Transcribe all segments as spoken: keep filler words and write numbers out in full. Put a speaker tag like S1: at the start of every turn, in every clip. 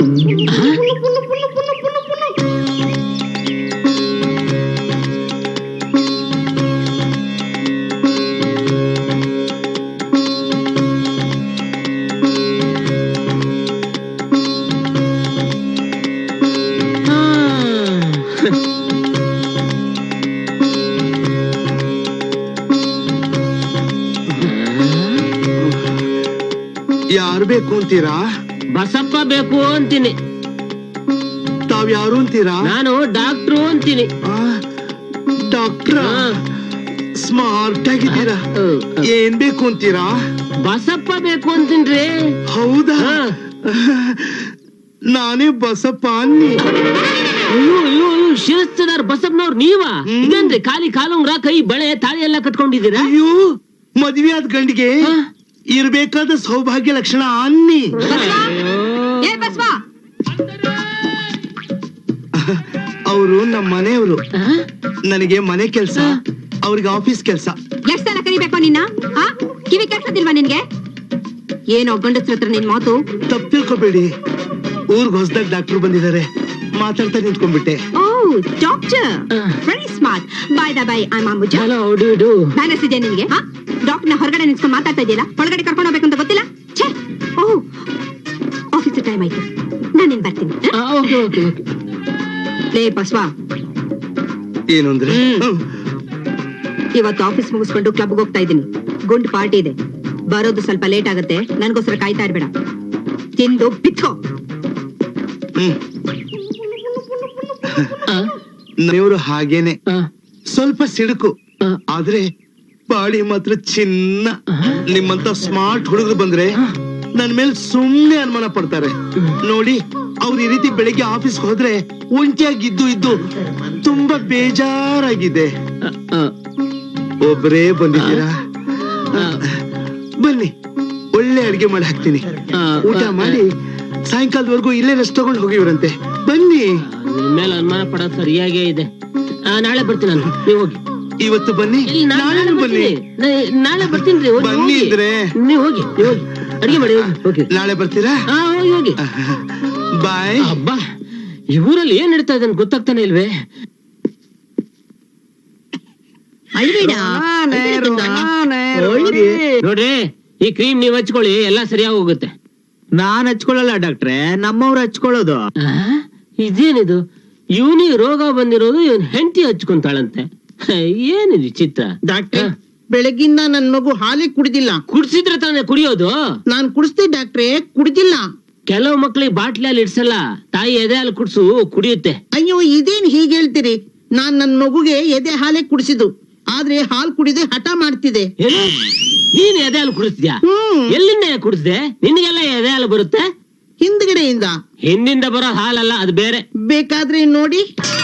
S1: ಯಾರು ಬೇಕು ಅಂತೀರಾ?
S2: ಬಸಪ್ಪ ಬೇಕು ಅಂತೀನಿ.
S1: ತಾವ್ ಯಾರು ಅಂತೀರಾ?
S2: ನಾನು ಡಾಕ್ಟ್ರು ಅಂತೀನಿ.
S1: ಡಾಕ್ಟ್ರ? ಸ್ಮಾರ್ಟ್ ಆಗಿದ್ದೀರಾ. ಏನ್ ಬೇಕು ಅಂತೀರಾ?
S2: ಬಸಪ್ಪ ಬೇಕು ಅಂತೀನ್ರಿ.
S1: ಹೌದಾ? ನಾನೇ ಬಸಪ್ಪ ಅನ್ನಿ.
S2: ಅಯ್ಯೋ ಅಯ್ಯೋ ಶಿರಸ್ತದಾರ್ ಬಸಪ್ಪನವ್ರು ನೀವಾ? ಇದೇನ್ರಿ ಖಾಲಿ ಕಾಲುಂಗ್ರ ಕೈ ಬಳೆ ತಾಳಿ ಎಲ್ಲ ಕಟ್ಕೊಂಡಿದ್ದೀರಾ?
S1: ಅಯ್ಯೋ ಮದ್ವೆ ಆದ ಗಂಡಿಗೆ ಇರ್ಬೇಕಾದ ಸೌಭಾಗ್ಯ ಲಕ್ಷಣ ಅನ್ನಿ. ಅವರು ನಮ್ಮ ಮನೆಯವರು. ನನಗೆ ಮನೆ ಕೆಲ್ಸ, ಅವ್ರಿಗೆ ಆಫೀಸ್ ಕೆಲ್ಸ.
S3: ಎಷ್ಟ್ ಸಲ ಕರಿಬೇಕು ನಿನ್ನ? ಕಿವಿ ಕೆಲ್ಸದಿಲ್ವಾ ನಿನ್ಗೆ? ಏನೋ ಗಂಡಸ್ರ ಹತ್ರ ನಿನ್ ಮಾತು.
S1: ತಪ್ಪು ತಿಳ್ಕೊಬೇಡಿ, ಊರ್ಗ್ ಹೊಸದಾಗ ಡಾಕ್ಟರ್ ಬಂದಿದ್ದಾರೆ, ಮಾತಾಡ್ತಾ ನಿಂತ್ಕೊಂಡ್ಬಿಟ್ಟೆ.
S3: Oh doctor, very smart. By the by I am Ambuja.
S2: Hello how do you do?
S3: Balance ಇದೆ ನಿನ್ಗೆ? ಡಾಕ್ಟರ್ ನ ಹೊರಗಡೆ ನಿಂತ್ಕೊಂಡು ಮಾತಾಡ್ತಾ ಇದೆಯಲ್ಲ, ಒಳಗಡೆ ಕರ್ಕೊಂಡು ಹೋಗ್ಬೇಕು ಅಂತ ಗೊತ್ತಿಲ್ಲ? ಛೇ, ಓಹ್ ಆಫೀಸ್ ಟೈಮ್ ಆಯ್ತು, ನಾನು ಬರ್ತೀನಿ.
S2: Okay okay okay.
S3: ಲೇ ಬಸ್ವಾ,
S1: ಏನು ಅಂದ್ರೆ
S3: ಇವತ್ತು ಆಫೀಸ್ ಮುಗಿಸ್ಕೊಂಡು ಕ್ಲಬ್ಗೆ ಹೋಗ್ತಾ ಇದ್ದೀನಿ. ಗುಂಡ್ ಪಾರ್ಟಿ ಇದೆ, ಬರೋದು ಸ್ವಲ್ಪ ಲೇಟ್ ಆಗುತ್ತೆ. ನನ್ಗೋಸ್ಕರ ಕಾಯ್ತಾ ಇರ್ಬೇಡ, ತಿಂದು ಬಿತ್ಕೋ.
S1: ನೀವು ಹಾಗೇನೆ ಸ್ವಲ್ಪ ಸಿಡುಕು, ಆದ್ರೆ ಬಾಡಿ ಮಾತ್ರ ಚಿನ್ನ. ನಿಮ್ಮಂತ ಸ್ಮಾರ್ಟ್ ಹುಡುಗರು ಬಂದ್ರೆ ನನ್ ಮೇಲೆ ಸುಮ್ನೆ ಅನುಮಾನ ಪಡ್ತಾರೆ. ನೋಡಿ, ಅವ್ರು ಈ ರೀತಿ ಬೆಳಿಗ್ಗೆ ಆಫೀಸ್ ಹೋದ್ರೆ ಒಂಟಿಯಾಗಿದ್ದು ಇದ್ದು ತುಂಬಾ ಬೇಜಾರಾಗಿದೆ. ಒಬ್ರೇ ಬಂದಿದ್ದೀರಾ? ಬನ್ನಿ, ಒಳ್ಳೆ ಅಡಿಗೆ ಮಾಡಿ ಹಾಕ್ತೀನಿ. ಊಟ ಮಾಡಿ ಸಾಯಂಕಾಲದವರೆಗೂ ಇಲ್ಲೇ ರೆಸ್ಟ್ ತಗೊಂಡು ಹೋಗಿವ್ರಂತೆ. ಬನ್ನಿ.
S2: ಮೇಲೆ ಅನುಮಾನ ಪಡೋದು ಸರಿಯಾಗೇ ಇದೆ. ನಾಳೆ ಬರ್ತೀನಿ ನಾನು, ನೀವು ಹೋಗಿ.
S1: ಇವತ್ತು ಬನ್ನಿ, ನಾಳೆ ಬನ್ನಿ.
S2: ನಾಳೆ ಬರ್ತೀನಿ.
S1: ಬನ್ನಿ ಇದ್ರೆ
S2: ನೀವು ಹೋಗಿ, ನೀವು ಹೋಗಿ ಅಡಿಗೆ ಮಾಡಿ ಹೋಗಿ.
S1: ನಾಳೆ ಬರ್ತೀರಾ?
S2: ಹೋಗಿ ಹೋಗಿ.
S1: ಬಾಯ್.
S2: ಅಬ್ಬಾ, ಈ ಊರಲ್ಲಿ ಏನ್ ನಡೀತಾ ಇದೆ ಗೊತ್ತಾಗ್ತಾನೆ ಇಲ್ವೇ? ನೋಡ್ರಿ, ಈ ಕ್ರೀಮ್ ನೀವ್ ಹಚ್ಕೊಳ್ಳಿ, ಎಲ್ಲಾ ಸರಿಯಾಗಿ ಹೋಗುತ್ತೆ.
S4: ನಾನ್ ಹಚ್ಕೊಳ್ಳಲ್ಲ ಡಾಕ್ಟ್ರೆ, ನಮ್ಮವ್ರು ಹಚ್ಕೊಳ್ಳೋದು.
S2: ಇದೇನಿದು, ಇವನಿಗೆ ರೋಗ ಬಂದಿರೋದು ಇವನ್ ಹೆಂಡತಿ ಹಚ್ಕೊಂತಾಳಂತೆ. ಏನಿದು ಚಿತ್ರ?
S4: ಡಾಕ್ಟ್ರೆ, ಬೆಳಗಿಂದ ನನ್ ಮಗು ಹಾಲಿ ಕುಡಿದಿಲ್ಲ.
S2: ಕುಡ್ಸಿದ್ರೆ ತಾನೇ ಕುಡಿಯೋದು?
S4: ನಾನ್ ಕುಡಿಸ್ದೆ ಡಾಕ್ಟ್ರೆ, ಕುಡಿದಿಲ್ಲ.
S2: ಕೆಲವು ಮಕ್ಳಿಗೆ ಬಾಟ್ಲಲ್ಲಿ ಇಡ್ಸಲ್ಲ, ತಾಯಿ ಎದೆ ಹಾಲು ಕುಡ್ಸು ಕುಡಿಯುತ್ತೆ.
S4: ಅಯ್ಯೋ, ಇದೇನ್ ಹೀಗೆ ಹೇಳ್ತೀರಿ? ನಾನ್ ನನ್ ಮಗುಗೆ ಎದೆ ಹಾಲೇ ಕುಡಿಸಿದ್ದು, ಆದ್ರೆ ಹಾಲ್ ಕುಡಿದೆ ಹಠ ಮಾಡ್ತಿದೆ.
S2: ನೀನ್ ಎದೆ ಹಾಲು ಕುಡಿಸ್ದ್ಯಾ? ಎಲ್ಲಿಂದ ಕುಡಿಸ್ದೆ? ನಿನ್ಗೆಲ್ಲ ಎದೆ ಹಾಲು ಬರುತ್ತೆ?
S4: ಹಿಂದ್ಗಡೆಯಿಂದ.
S2: ಹಿಂದಿಂದ ಬರೋ ಹಾಲಲ್ಲ, ಅದು ಬೇರೆ.
S4: ಬೇಕಾದ್ರೆ ನೋಡಿ.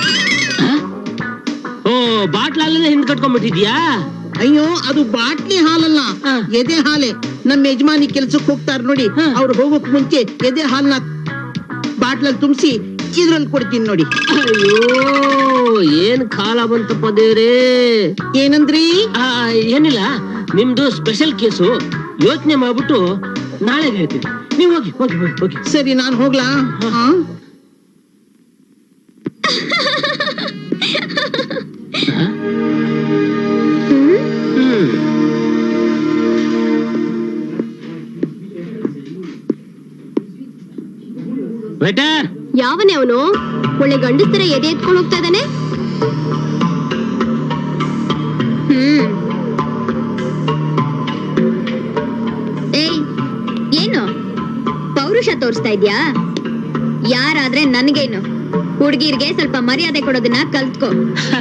S2: ಓ, ಬಾಟ್ಲಲ್ಲೇ ಹಿಂದ್ ಕಟ್ಕೊಂಡ್ಬಿಟ್ಟಿದ್ಯಾ?
S4: ಅಯ್ಯೋ, ಅದು ಬಾಟ್ಲಿ ಹಾಲಲ್ಲ, ಎದೆ ಹಾಲೆ. ನಮ್ಮ ಯಜಮಾನಿ ಕೆಲ್ಸಕ್ಕೆ ಹೋಗ್ತಾರ ನೋಡಿ, ಅವ್ರು ಹೋಗೋಕ್ ಮುಂಚೆ ಎದೆ ಹಾಲ್ನ ಬಾಟ್ಲಲ್ಲಿ ತುಂಬಿಸಿ ಇದ್ರಲ್ಲಿ ಕೊಡ್ತೀನಿ ನೋಡಿ.
S2: ಅಯ್ಯೋ, ಏನ್ ಕಾಲ ಬಂತಪ್ಪ ದೇವ್ರೇ.
S4: ಏನಂದ್ರಿ?
S2: ಏನಿಲ್ಲ, ನಿಮ್ದು ಸ್ಪೆಷಲ್ ಕೇಸು, ಯೋಚನೆ ಮಾಡ್ಬಿಟ್ಟು ನಾಳೆ ಹೇಳ್ತೀನಿ. ನೀವು ಹೋಗಿ ಹೋಗಿ ಹೋಗಿ.
S4: ಸರಿ, ನಾನ್ ಹೋಗ್ಲಾ?
S2: ವೇಟರ್,
S3: ಯಾವನೇ ಅವನು? ಒಳ್ಳೆ ಗಂಡಸ್ತರ ಎದೆ ಎತ್ಕೊಂಡು ಹೋಗ್ತಾ ಇದ್ದಾನೆ. ಹ್ಮ್ ಏಯ್, ಏನು ಪೌರುಷ ತೋರಿಸ್ತಾ ಇದ್ಯಾ? ಯಾರಾದ್ರೆ ನನ್ಗೇನು, ಹುಡ್ಗಿರ್ಗೆ ಸ್ವಲ್ಪ ಮರ್ಯಾದೆ ಕೊಡೋದನ್ನ ಕಲ್ತ್ಕೋ.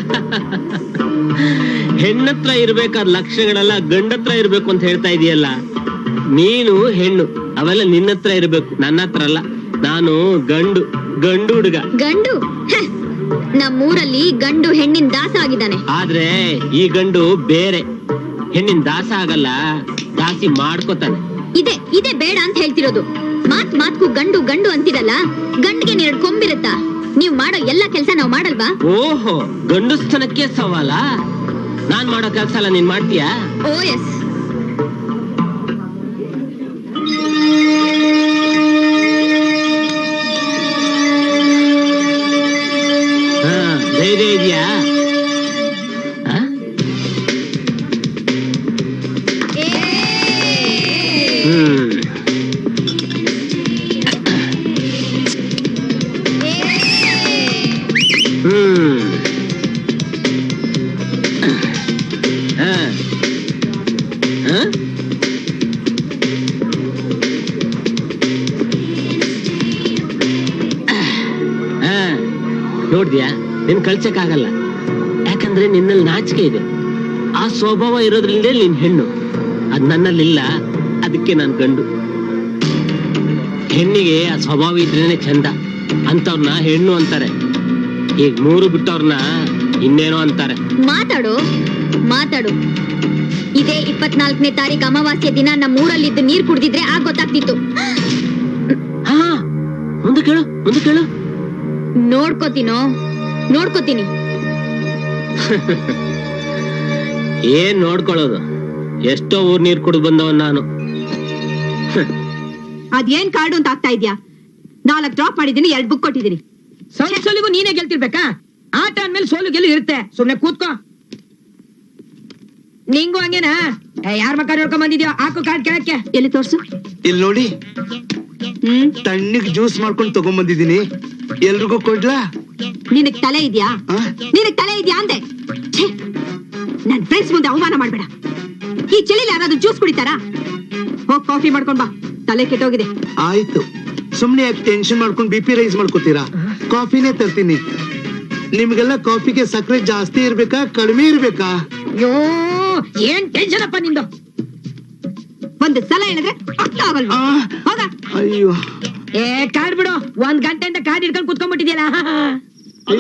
S2: ಹೆಣ್ಣತ್ರ ಇರ್ಬೇಕಾದ ಲಕ್ಷಣಗಳೆಲ್ಲ ಗಂಡತ್ರ ಇರ್ಬೇಕು ಅಂತ ಹೇಳ್ತಾ ಇದೀಯಲ್ಲ. ನೀನು ಹೆಣ್ಣು, ಅವೆಲ್ಲ ನಿನ್ನತ್ರ ಇರ್ಬೇಕು, ನನ್ನ ಹತ್ರ ಅಲ್ಲ. ನಾನು ಗಂಡು, ಗಂಡು ಹುಡುಗ.
S3: ಗಂಡು? ನಮ್ಮೂರಲ್ಲಿ ಗಂಡು ಹೆಣ್ಣಿನ ದಾಸ ಆಗಿದ್ದಾನೆ.
S2: ಆದ್ರೆ ಈ ಗಂಡು ಬೇರೆ, ಹೆಣ್ಣಿನ ದಾಸ ಆಗಲ್ಲ, ದಾಸಿ ಮಾಡ್ಕೋತಾನೆ.
S3: ಇದೆ ಇದೆ ಬೇಡ ಅಂತ ಹೇಳ್ತಿರೋದು. ಮಾತ್ ಮಾತ್ಕು ಗಂಡು ಗಂಡು ಅಂತಿರಲ್ಲ, ಗಂಡಿಗೆ ಎರಡು ಕೊಂಬಿರುತ್ತಾ? ನೀವ್ ಮಾಡೋ ಎಲ್ಲ ಕೆಲ್ಸ ನಾವ್ ಮಾಡಲ್ವಾ?
S2: ಓಹೋ, ಗಂಡುಸ್ತನಕ್ಕೆ ಸವಾಲ? ನಾನ್ ಮಾಡೋ ಕೆಲ್ಸ ಎಲ್ಲ ನೀನ್ ಮಾಡ್ತೀಯಾ?
S3: Oh yes.
S2: ಧೈರ್ಯ ಇದೆಯಾ? ಆ? ಹ್ಮ್ ಹ್ಮ್ ಹಾ ಹಾ ಹಾ ನೋಡ್ದ್ಯಾ, ನಿನ್ ಕಳ್ಸಕ್ಕಾಗಲ್ಲ. ಯಾಕಂದ್ರೆ ನಿನ್ನಲ್ಲಿ ನಾಚಿಕೆ ಇದೆ. ಆ ಸ್ವಭಾವ ಇರೋದ್ರಿಂದ ನೀನ್ ಹೆಣ್ಣು, ಅದ್ ನನ್ನಲ್ಲಿಲ್ಲ. ಅದಕ್ಕೆ ನಾನ್ ಗಂಡು. ಹೆಣ್ಣಿಗೆ ಆ ಸ್ವಭಾವ ಇದ್ರೇನೆ ಚಂದ. ಅಂತವ್ರನ್ನ ಹೆಣ್ಣು ಅಂತಾರೆ. ಈಗ ಮೂರು ಬಿಟ್ಟವ್ರನ್ನ ಇನ್ನೇನೋ ಅಂತಾರೆ.
S5: ಮಾತಾಡು ಮಾತಾಡು ಇದೇ ಇಪ್ಪತ್ನಾಲ್ಕನೇ ತಾರೀಕು ಅಮಾವಾಸ್ಯ ದಿನ ನಮ್ಮ ಊರಲ್ಲಿದ್ದು ನೀರ್ ಕುಡ್ದಿದ್ರೆ ಆಗ ಗೊತ್ತಾಗ್ತಿತ್ತು.
S2: ಹಾ ಮುಂದೆ ಕೇಳು ಮುಂದೆ ಕೇಳು.
S5: ನೋಡ್ಕೋತೀನೋ ನೋಡ್ಕೋತೀನಿ.
S2: ಏನ್ ನೋಡ್ಕೊಳ್ಳೋದು, ಎಷ್ಟೋ ಊರ್ ನೀರ್ ಕುಡಿದು ಬಂದವನ್ ನಾನು.
S3: ಅದೇನ್ ಕಾರ್ಡು ಅಂತ ಆಗ್ತಾ ಇದ್ಯಾ? ನಾಲ್ಕು ಡ್ರಾಪ್ ಮಾಡಿದೀನಿ, ಎರಡ್ ಬುಕ್ ಕೊಟ್ಟಿದ್ದೀನಿ.
S4: ಸೋಲ್ ಸೋಲಿಗೂ ನೀನೇ ಗೆಲ್ತಿರ್ಬೇಕಾ? ಆಟ ಅಂದ್ಮೇಲೆ ಸೋಲು ಗೆಲ್ಲು ಇರುತ್ತೆ. ಸುಮ್ನೆ ಕೂತ್ಕೋ. ನಿಂಗೂ ಹಂಗೇನಾ? ಯಾರ ಮಕ್ಕ ನೋಡ್ಕೊಂಡ್ ಬಂದಿದ್ಯೋ ಹಾಕು ಕಾರ್ಡ್ ಕೆಳಕ್ಕೆ.
S3: ಎಲ್ಲಿ ತೋರ್ಸು.
S1: ಇಲ್ಲಿ ನೋಡಿ,
S3: ಹ್ಮ್
S1: ತಣ್ಣಗ್ ಜ್ಯೂಸ್ ಮಾಡ್ಕೊಂಡು ತಗೊಂಡ್ ಬಂದಿದ್ದೀನಿ. ಎಲ್ರಿಗೂ ಕೊಡ್ಲಾ?
S3: ನಿನಗ್ ತಲೆ ಇದ್ಯಾ?
S1: ಆ?
S3: ನಿನಗ್ ತಲೆ ಇದ್ಯಾ ಅಂದೆ. ಛೇ, ನನ್ ಫ್ರೆಂಡ್ಸ್ ಮುಂದೆ ಅವಮಾನ ಮಾಡ್ಬೇಡ. ಈ ಚಳಿಲಿ ಯಾರಾದ್ರೂ ಜ್ಯೂಸ್ ಕುಡಿತಾರಾ? ಹೋಗ್ ಕಾಫಿ ಮಾಡ್ಕೊಂಡ್ ಬಾ, ತಲೆ ಕೆಟ್ಟೋಗಿದೆ.
S1: ಆಯ್ತು, ಸುಮ್ನೆ ಯಾಕೆ ಟೆನ್ಷನ್ ಮಾಡ್ಕೊಂಡು ಬಿ ಪಿ ರೈಸ್ ಮಾಡ್ಕೋತೀರಾ? ಕಾಫಿನೇ ತರ್ತೀನಿ. ನಿಮ್ಗೆಲ್ಲ ಕಾಫಿಗೆ ಸಕ್ಕರೆ ಜಾಸ್ತಿ ಇರ್ಬೇಕಾ ಕಡಿಮೆ ಇರ್ಬೇಕಾ?
S4: ಅಯ್ಯೋ ಏನ್ ಟೆನ್ಷನ್ ಅಪ್ಪ ನಿಂದು.
S3: ಒಂದು ಸಲ ಹೇಳಿದ್ರೆ ಅರ್ಥ ಆಗಲ್ವಾ?
S1: ಆ,
S3: ಹೋಗ.
S1: ಅಯ್ಯೋ,
S4: ಏ ಕಾರ್ಡ್ ಬಿಡು. ಒಂದ್ ಗಂಟೆಯಿಂದ ಕಾರ್ಡ್ ಹಿಡ್ಕೊಂಡು ಕುತ್ಕೊಂಡ್ಬಿಟ್ಟಿದ್ಯಲ್ಲ.
S3: ಸರಿ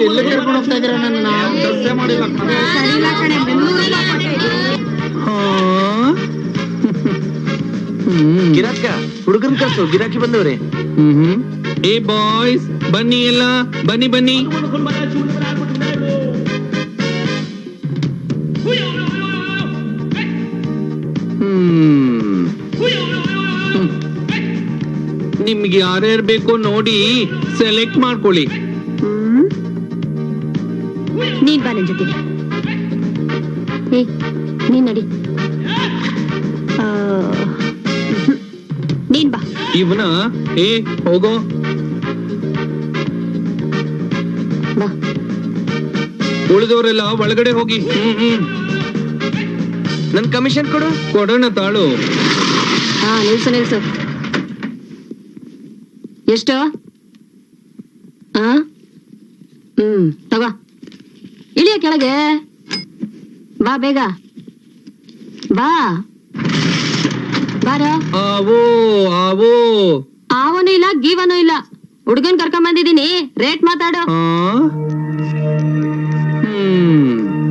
S3: ಇಲ್ಲ ಕಣೆ, ಮುನ್ನೂರು ರೂಪಾಯಿ ಕೊಟ್ಟೆ.
S1: ಗಿರಾಕ ಹುಡುಗನ್ ಕಳ್ಸು, ಗಿರಾಕಿ ಬಂದವ್ರೆ.
S6: ಏ ಬಾಯ್ಸ್ ಬನ್ನಿ, ಎಲ್ಲ ಬನ್ನಿ ಬನ್ನಿ. ನಿಮ್ಗೆ ಯಾರ್ಯಾರು ಬೇಕೋ ನೋಡಿ ಸೆಲೆಕ್ಟ್ ಮಾಡ್ಕೊಳ್ಳಿ.
S5: ನೀನ್ ಬಾ ನನ್ ಜೊತೆ. ಏ ನೀನ್ ನಡಿ. ಆ, ನೀನ್ ಬಾ.
S6: ಇವನ ಏ ಹೋಗೋ.
S5: ಬಾ.
S6: ಉಳಿದವರೆಲ್ಲ ಒಳಗಡೆ ಹೋಗಿ. ಹ್ಮ್ ಹ್ಮ್
S1: ನನ್ ಕಮಿಷನ್ ಕೊಡು.
S6: ಕೊಡೋಣ ತಾಳು.
S5: ಹಾ ನಿಲ್ಸು ನಿಲ್ಸು. ಎಷ್ಟು? ಆ ಹ್ಮ್ ತಗೋ. ಇಳಿಯ ಕೆಳಗೆ ಬಾ, ಬೇಗ ಬಾ. ಬಾರ.
S6: ಆವೋ ಆವೋ.
S5: ಆವನು ಇಲ್ಲ ಗೀವನು ಇಲ್ಲ. ಹುಡುಗನ್ ಕರ್ಕೊಂಡ್ ಬಂದಿದೀನಿ, ರೇಟ್ ಮಾತಾಡು.
S6: ಆ? ಹ್ಮ್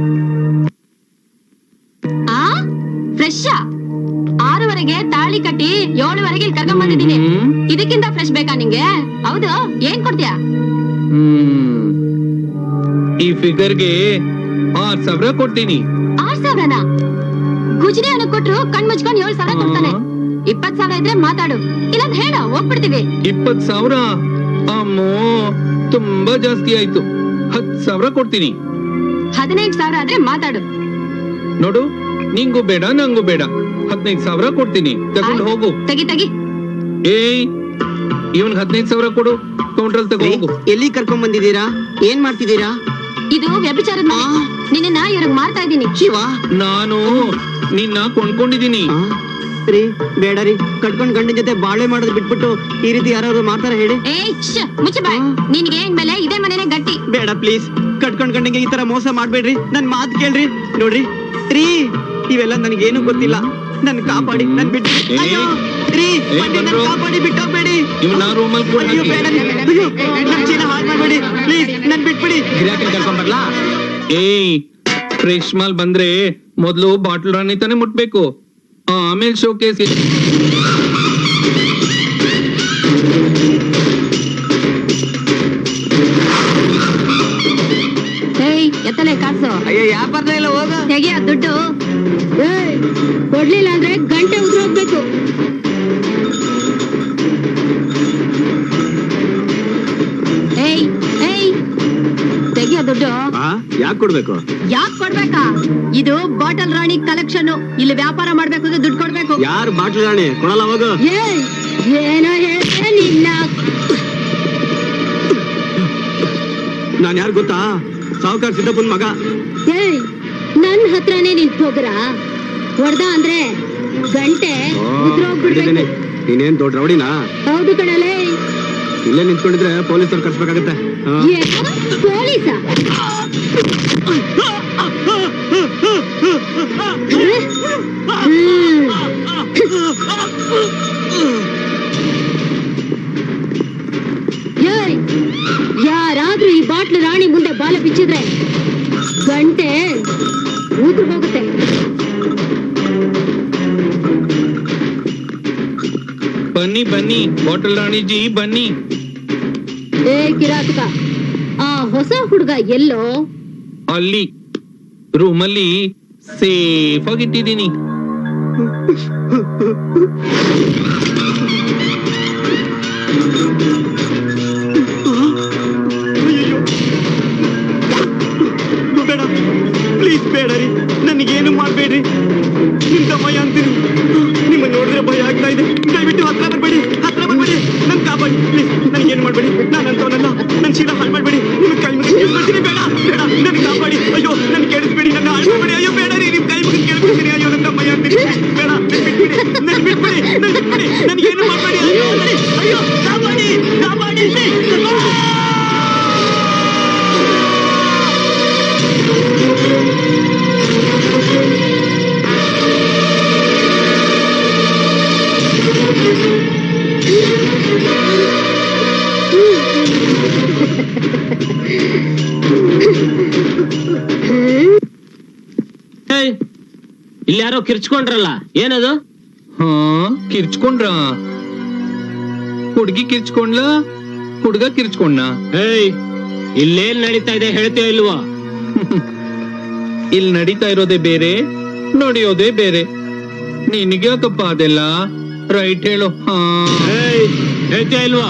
S5: ಆ ಫ್ರೆಶ್ ಆರೂವರೆಗೆ ತಾಳಿ ಕಟ್ಟಿ ಏಳುವರೆಗೆ ಇಲ್ಲಿ ಕರ್ಕೊಂಡ್ ಬಂದಿದೀನಿ.
S6: ಹ್ಮ್.
S5: ಇದಕ್ಕಿಂತ ಫ್ರೆಶ್ ಬೇಕಾ ನಿಂಗೆ? ಹೌದು, ಏನ್ ಕೊಡ್ತೀಯಾ?
S6: ಹ್ಮ್ ಈ ಫಿಗರ್ಗೆ ಆರ್ ಸಾವಿರ ಕೊಡ್ತೀನಿ.
S5: ಆರ್ ಸಾವಿರನಾ? ಗುಜರಿ ಅವನಿಗೆ ಕೊಟ್ರು ಕಣ್ ಮುಚ್ಕೊಂಡ್ ಏಳ್ ಸಾವಿರ ಕೊಡ್ತಾನೆ. ಇಪ್ಪತ್ ಸಾವಿರ ಇದ್ರೆ ಮಾತಾಡು, ಇಲ್ಲಾಂದ್ರೆ ಹೇಳ ಹೋಗ್ಬಿಡ್ತೀವಿ.
S6: ಇಪ್ಪತ್ ಸಾವಿರ ಅಮ್ಮೋ, ತುಂಬಾ ಜಾಸ್ತಿ ಆಯ್ತು. ಹತ್ ಸಾವಿರ ಕೊಡ್ತೀನಿ.
S5: ಹದಿನೈದು ಸಾವಿರ ಆದ್ರೆ ಮಾತಾಡು.
S6: ನೋಡು, ನಿಂಗೂ ಬೇಡ ನಂಗೂ ಬೇಡ. ಹದಿನೈದು ಸಾವಿರ ಕೊಡ್ತೀನಿ, ತಗೊಂಡು ಹೋಗು.
S5: ತೆಗಿ ತೆಗಿ.
S6: ಏಯ್, ಇವನ್ಗೆ ಹದಿನೈದು ಸಾವಿರ ಕೊಡು, ಕೌಂಟ್ರಲ್ಲಿ ತಗೋ ಹೋಗು.
S4: ಎಲ್ಲಿ ಕರ್ಕೊಂಡ್ ಬಂದಿದ್ದೀರಾ? ಏನ್ ಮಾಡ್ತಿದ್ದೀರಾ?
S5: ಇದು ವ್ಯಭಿಚಾರದ ಮನೆ. ನಿನ್ನ ಇವ್ರಿಗೆ ಮಾರ್ತಾ ಇದ್ದೀನಿ.
S4: ಶಿವ,
S6: ನಾನು ನಿನ್ನ ಕೊಂಡ್ಕೊಂಡಿದ್ದೀನಿ.
S4: ರೀ ಬೇಡ ರೀ, ಕಟ್ಕೊಂಡ್ ಗಂಡನ ಜೊತೆ ಬಾಳೆ ಮಾಡೋದು ಬಿಟ್ಬಿಟ್ಟು ಈ ರೀತಿ ಯಾರು ಮಾಡ್ತಾರ ಹೇಳಿ?
S5: ಏಯ್ ಶ್ಶ್, ಮುಚ್ಚು ಬಾಯ್. ನಿನ್ಗೆ ಇನ್ಮೇಲೆ ಇದೇ ಮನೆನೇ ಗಟ್ಟಿ.
S4: ಬೇಡ ಪ್ಲೀಸ್, ಕಟ್ಕೊಂಡ್ ಗಂಡಂಗೆ ಈ ತರ ಮೋಸ ಮಾಡ್ಬೇಡ್ರಿ. ನನ್ ಮಾತ್ ಕೇಳ್ರಿ. ನೋಡ್ರಿ ರೀ, ಇವೆಲ್ಲ ನನಗೇನು ಗೊತ್ತಿಲ್ಲ. ನನ್ ಕಾಪಾಡಿ, ನನ್ ಬಿಟ್ಟು.
S6: ಏಯ್,
S4: ಅಯ್ಯೋ ರೀ,
S6: ಏಯ್,
S4: ಬನ್ನಿ, ನನ್
S6: ಬಂದ್ರು.
S4: ಕಾಪಾಡಿ, ಬಿಟ್ಟೋಗ್ಬೇಡಿ.
S6: ಇವನ್ನ ರೂಮಲ್ಲಿ ಕೂಡ
S4: ಅಯ್ಯೋ ಬೇಡ ರೀ. ಅಯ್ಯೋ, ನನ್ ಚೀಲ ಹಾಳ್ ಮಾಡ್ಬೇಡಿ ಪ್ಲೀಸ್, ನನ್ ಬಿಟ್ಬಿಡಿ.
S6: ಗಿರಾಕಿ ಕರ್ಕೊಂಡ್ ಬರ್ಲಾ? ಏಯ್, ಫ್ರೆಶ್ ಮಾಲ್ ಬಂದ್ರೆ ಮೊದ್ಲು ಬಾಟ್ಲ್ ರಾಣಿ ತಾನೇ ಮುಟ್ಬೇಕು, ಆಮೇಲೆ ಶೋಕೇಸ್.
S5: ಏಯ್ ಎತ್ತಲೆ ಕಾಸು.
S4: ಅಯ್ಯೋ ಯಾಪಾರ್ದ ಇಲ್ಲ, ಹೋಗ.
S5: ತೆಗಿಯ ದುಡ್ಡು. ಕೊಡ್ಲಿಲ್ಲ ಅಂದ್ರೆ ಗಂಟೆ ಉದ್ರ ಹೋಗ್ಬೇಕು. ಏಯ್ ಏಯ್ ತೆಗಿಯ ದುಡ್ಡು.
S7: ಯಾಕೆ ಕೊಡ್ಬೇಕು?
S3: ಯಾಕ್ ಕೊಡ್ಬೇಕಾ? ಇದು ಬಾಟಲ್ ರಾಣಿ ಕಲೆಕ್ಷನ್. ಇಲ್ಲಿ ವ್ಯಾಪಾರ ಮಾಡ್ಬೇಕು ಅಂದ್ರೆ ದುಡ್ಡು ಕೊಡ್ಬೇಕು.
S7: ಯಾರು ಬಾಟ್ಲು ರಾಣಿ? ಕೊಡಲ್ಲ ಹೋಗು.
S3: ಏಯ್, ಏನೋ ಹೇಳ್ದೆ ನಿನ್ನ.
S7: ನಾನ್ ಯಾರು ಗೊತ್ತಾ? ಸಾವುಕಾರ ಸಿದ್ದಪ್ಪನ್ ಮಗ.
S3: ಏಯ್, ನನ್ ಹತ್ರನೇ ನಿಂತ್ ಹೋಗ್ರ. ಹೊಡ್ದ ಅಂದ್ರೆ ಗಂಟೆ
S7: ಹೇಳಿದ್ದೇನೆ, ನೀನೇನ್ ದೊಡ್ಡ ರೌಡಿನಾ?
S3: ಹೌದು ಕಣಲೇ.
S7: ಇಲ್ಲೇ ನಿಂತ್ಕೊಂಡಿದ್ರೆ ಪೊಲೀಸರು ಕರ್ಸ್ಬೇಕಾಗತ್ತೆ.
S3: ಪೊಲೀಸ? ಯಾರಾದ್ರೂ ಈ ಬಾಟ್ಲು ರಾಣಿ ಮುಂದೆ ಬಾಲ ಬಿಚ್ಚಿದ್ರೆ ಗಂಟೆ ಊದ್ರು ಹೋಗುತ್ತೆ.
S6: ಬನ್ನಿ ಬನ್ನಿ ಬಾಟಲ್ ರಾಣಿಜಿ ಬನ್ನಿ.
S3: ಏ ಕಿರಾತಕ, ಆ ಹೊಸ ಹುಡುಗ ಎಲ್ಲೋ?
S6: ಅಲ್ಲಿ ರೂಮಲ್ಲಿ ಸೇಫ್ ಆಗಿಟ್ಟಿದ್ದೀನಿ.
S7: ಬೇಡ ಪ್ಲೀಸ್, ಬೇಡ ರೀ, ನನಗೇನು ಮಾಡ್ಬೇಡ್ರಿ. ನಿಮ್ದ ಭಯ ಅಂತೀನಿ. ನಿಮ್ಮ ನೋಡಿದ್ರೆ ಭಯ ಆಗ್ತಾ ಇದೆ. ದಯವಿಟ್ಟು ಹತ್ರ ಬರ್ಬೇಡಿ, ಹತ್ರ ಬರ್ಬೇಡಿ. ನನ್ ಕಾಪಾಡಿ ಪ್ಲೀಸ್. ನನಗೇನು ಮಾಡ್ಬೇಡಿ, ನಾನು ಅಂತವನಲ್ಲ. ನನ್ ಶೀಲ ಹಾಳು ಮಾಡ್ಬೇಡಿ. ನಿಮ್ ಕೈ ಮುಗಿದು ಕೇಳ್ಕೊಳ್ತೀನಿ. ಬೇಡ ಬೇಡ, ನನ್ ಕಾಪಾಡಿ. ಅಯ್ಯೋ, ನನ್ ಕೇಳಿಸ್ಬೇಡಿ, ನನ್ನ ಹಾಳು ಮಾಡ್ಬೇಡಿ. ಅಯ್ಯೋ ಬೇಡ ರೀ, ನಿಮ್ ಕೈ ಮುಗಿದು ಕೇಳ್ಕೊಳ್ತೀನಿ. ಅಯ್ಯೋ, ನನ್ನ ಭಯ ಅಂತೀನಿ. ಬೇಡ, ನನ್ ಬಿಟ್ಬಿಡಿ, ನನ್ ಬಿಟ್ಬಿಡಿ, ನನ್ ಬಿಟ್ಬಿಡಿ. ನನಗೇನು ಮಾಡ್ಬೇಡಿ. ಅಯ್ಯೋ ಅಯ್ಯೋ, ಕಾಪಾಡಿ ಕಾಪಾಡಿ.
S2: ಇಲ್ಲಿ ಯಾರೋ ಕಿರ್ಚ್ಕೊಂಡ್ರಲ್ಲ, ಏನದು?
S6: ಹಾ, ಕಿರ್ಚ್ಕೊಂಡ್ರ? ಹುಡ್ಗಿ ಕಿರ್ಚ್ಕೊಂಡ್ಲ, ಹುಡ್ಗ ಕಿರ್ಚ್ಕೊಂಡ?
S2: ಏಯ್, ಇಲ್ಲೇನ್ ನಡೀತಾ ಇದೆ ಹೇಳ್ತೀಯ ಇಲ್ವೋ?
S6: ಇಲ್ಲಿ ನಡೀತಾ ಇರೋದೇ ಬೇರೆ, ನೋಡಿಯೋದೇ ಬೇರೆ. ನಿನಗ್ಯಾಕಪ್ಪ ಅದೆಲ್ಲ? ರೈಟ್ ಹೇಳು. ಹಾ,
S2: ಹೇಳ್ತೀಯ ಇಲ್ವೋ?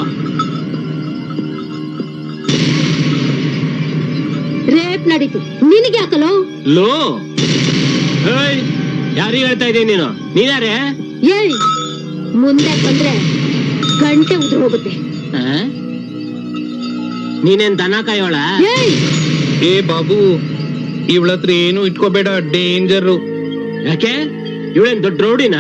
S3: ರೇಪ್ ನಡೀತು, ನಿನಗೆ ಯಾಕಲೋ?
S2: ಲೋ, ಏಯ್, ಯಾರಿಗೆ ಹೇಳ್ತಾ ಇದ್ದೀನಿ ನೀನು? ನೀನ್ಯಾರೇ?
S3: ಏಯ್, ಮುಂದೆ ಬಂದ್ರೆ ಗಂಟೆ ಉದ್ರ ಹೋಗುತ್ತೆ.
S2: ನೀನೇನ್ ದನ ಕಾಯೋಳ?
S3: ಏಯ್,
S6: ಏ ಬಾಬು, ಇವಳತ್ರ ಏನು ಇಟ್ಕೋಬೇಡ, ಡೇಂಜರು.
S2: ಯಾಕೆ? ಇವಳೇನ್ ದೊಡ್ಡ ರೌಡಿನಾ?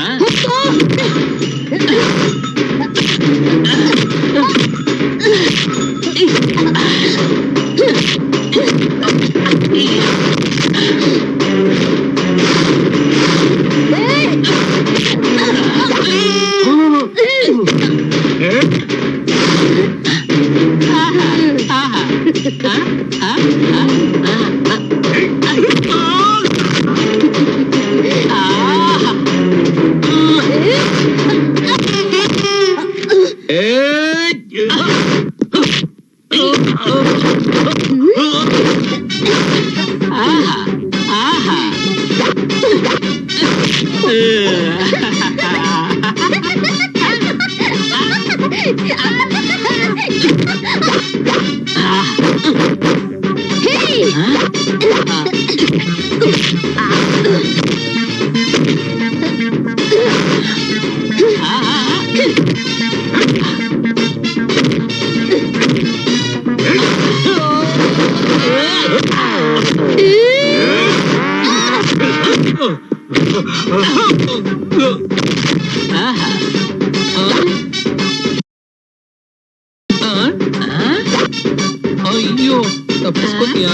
S6: ಅಯ್ಯೋ, ತಪ್ಪಿಸ್ಕೊತೀಯಾ?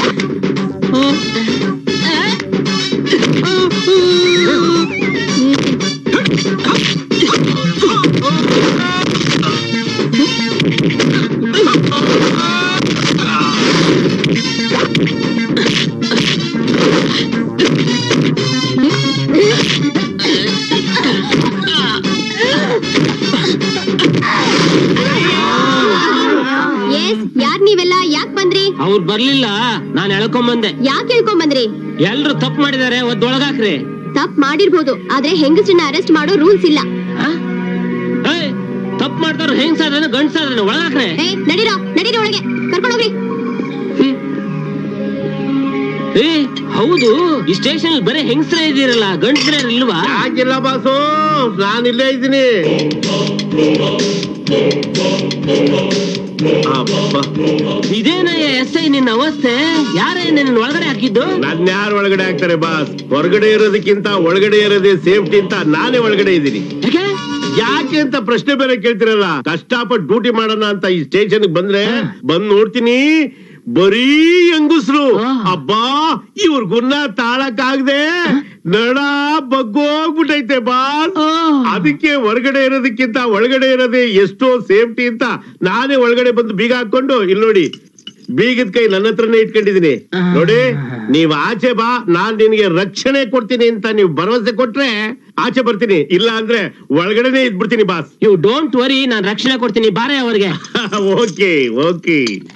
S5: ಯಾರ್ ನೀವೆಲ್ಲ? ಯಾಕ್ ಬಂದ್ರಿ?
S2: ಅವ್ರು ಬರ್ಲಿಲ್ಲ, ನಾನ್ ಎಳ್ಕೊಂಬಂದೆ.
S5: ಯಾಕೆ ಹೇಳ್ಕೊಂಡ್ ಬಂದ್ರಿ?
S2: ಎಲ್ರು ತಪ್ಪು ಮಾಡಿದಾರೆ, ಒದ್ದೊಳಗಾಕ್ರಿ.
S5: ತಪ್ಪು ಮಾಡಿರ್ಬೋದು, ಆದ್ರೆ ಹೆಂಗಸನ್ನ ಅರೆಸ್ಟ್ ಮಾಡೋ ರೂಲ್ಸ್ ಇಲ್ಲ.
S2: ತಪ್ಪು ಮಾಡ್ತಾರ ಹೆಂಗ್ಸಾದ್ರೆ ಗಂಡ್ಸಾದ್ರೆ ಒಳಗಾಕ್ರೆ.
S5: ನಡೀರೋ ನಡೀರಿ, ಒಳಗೆ ಕರ್ಕೊಂಡು ಹೋಗ್ರಿ.
S2: ಏ ಹೌದು, ಈ ಸ್ಟೇಷನ್ ಬರೀ ಹೆಂಗಸ್ರೇ ಇದೀರಲ್ಲ, ಗಂಡಸ್ರೇ ಇಲ್ವಾ?
S1: ಯಾಕಿಲ್ಲ ಬಾಸು, ನಾನು ಇಲ್ಲೇ ಇದ್ದೀನಿ.
S2: ಇದೇನಯ್ಯ ಎಸ್ ಐ ನಿನ್ನ ಅವಸ್ಥೆ? ಯಾರೇ ನಿನ್ನ ಒಳಗಡೆ ಹಾಕಿದ್ದು?
S1: ನನ್ ಯಾರು ಒಳಗಡೆ ಹಾಕ್ತಾರೆ ಬಾಸ್? ಹೊರಗಡೆ ಇರೋದಕ್ಕಿಂತ ಒಳಗಡೆ ಇರೋದೇ ಸೇಫ್ಟಿ ಅಂತ ನಾನೇ ಒಳಗಡೆ ಇದ್ದೀನಿ.
S2: ಯಾಕೆ
S1: ಯಾಕೆ ಅಂತ ಪ್ರಶ್ನೆ ಬೇರೆ ಕೇಳ್ತಿರಲ್ಲ. ಕಷ್ಟಪಟ್ಟು ಡ್ಯೂಟಿ ಮಾಡೋಣ ಅಂತ ಈ ಸ್ಟೇಷನ್ ಬಂದ್ರೆ ಬಂದ್ ನೋಡ್ತೀನಿ, ಬರೀ ಹೆಂಗುಸ್ರು. ಅಬ್ಬಾ, ಇವ್ರ ಗುನ್ನ ತಾಳಕ್ಕಾಗದೆ ನಡ ಬಗ್ಗೋಗ್ಬಿಟ್ಟೈತೆ ಬಾಸ್. ಅದಕ್ಕೆ ಹೊರಗಡೆ ಇರೋದಕ್ಕಿಂತ ಒಳಗಡೆ ಇರೋದೇ ಎಷ್ಟೋ ಸೇಫ್ಟಿ ಅಂತ ನಾನೇ ಒಳಗಡೆ ಬಂದು ಬೀಗ ಹಾಕೊಂಡು, ಇಲ್ಲಿ ನೋಡಿ ಬೀಗದ ಕೈ ನನ್ನ ಹತ್ರನೇ ಇಟ್ಕೊಂಡಿದೀನಿ. ನೋಡಿ, ನೀವ್ ಆಚೆ ಬಾ, ನಾನ್ ನಿನ್ಗೆ ರಕ್ಷಣೆ ಕೊಡ್ತೀನಿ ಅಂತ ನೀವು ಭರವಸೆ ಕೊಟ್ರೆ ಆಚೆ ಬರ್ತೀನಿ, ಇಲ್ಲ ಅಂದ್ರೆ ಒಳಗಡೆನೆ ಇದ್ಬಿಡ್ತೀನಿ ಬಾಸ್.
S2: ಯು ಡೋಂಟ್ ವರಿ, ನಾನ್ ರಕ್ಷಣೆ ಕೊಡ್ತೀನಿ, ಬಾರೆ ಅವ್ರಿಗೆ.
S1: ಓಕೆ ಓಕೆ,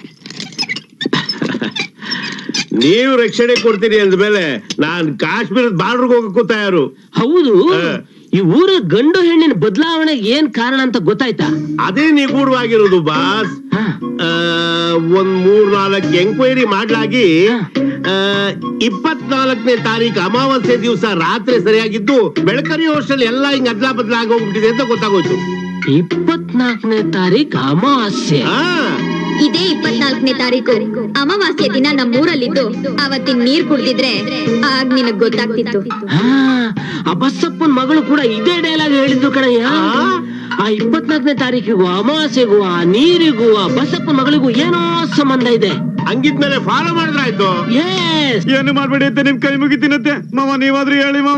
S1: ನೀವು ರಕ್ಷಣೆ ಕೊಡ್ತೀನಿ ಅಂದ್ಮೇಲೆ ನಾನ್ ಕಾಶ್ಮೀರದ ಬಾರ್ಡರ್ಗೆ ಹೋಗಕ್ಕೂ ತಯಾರು.
S2: ಹೌದು, ಈ ಊರ ಗಂಡು ಹೆಣ್ಣಿನ ಬದಲಾವಣೆ ಏನ್ ಕಾರಣ ಅಂತ ಗೊತ್ತಾಯ್ತಾ?
S1: ಅದೇ ನಿಗೂಢವಾಗಿರೋದು ಬಾಸ್. ಆ, ಒಂದ್ ಮೂರ್ ನಾಲ್ಕು ಎಂಕ್ವೈರಿ ಮಾಡ್ಲಾಗಿ ಇಪ್ಪತ್ನಾಲ್ಕನೇ ತಾರೀಕು ಅಮಾವಾಸ್ಯೆ ದಿವಸ ರಾತ್ರಿ ಸರಿಯಾಗಿದ್ದು ಬೆಳಕರಿ ವರ್ಷದಲ್ಲಿ ಎಲ್ಲ ಹಿಂಗ್ ಅದ್ಲಾ ಬದ್ಲಾ ಆಗೋಗ್ಬಿಟ್ಟಿದೆ ಅಂತ ಗೊತ್ತಾಗೋಯ್ತು.
S2: ಇಪ್ಪತ್ನಾಲ್ಕನೇ ತಾರೀಕು ಅಮಾವಾಸ್ಯೆ?
S5: ಇದೇ ಇಪ್ಪತ್ನಾಲ್ಕನೇ ತಾರೀಕು ಅಮಾವಾಸ್ಯೆ ದಿನ ನಮ್ಮೂರಲ್ಲಿದ್ದು ಅವತ್ತಿನ ನೀರ್ ಕುಡ್ದಿದ್ರೆ ಆಗ ನಿನಗ್ ಗೊತ್ತಾಗ್ತಿತ್ತು.
S2: ಆ ಬಸಪ್ಪನ್ ಮಗಳು ಕೂಡ ಇದೇ ಡೈಲಾಗ್ ಹೇಳಿದ್ರು ಕಣಯ್ಯ. ಆ ಇಪ್ಪತ್ನಾಲ್ಕನೇ ತಾರೀಕಿಗೂ ಅಮಾವಾಸ್ಯೆಗೂ ಆ ನೀರಿಗೂ ಆ ಬಸಪ್ಪನ್ ಮಗಳಿಗೂ ಏನೋ ಸಂಬಂಧ ಇದೆ.
S1: ಹಂಗಿದ್ಮೇಲೆ ಫಾಲೋ ಮಾಡಿದ್ರಾಯ್ತು.
S7: ಏನು ಮಾಡ್ಬೇಡಿ ಅಂತ ನಿಮ್ ಕೈ ಮುಗಿತೀನತ್ತೆ ಮಾವ, ನೀವಾದ್ರೂ ಹೇಳಿ ಮಾವ.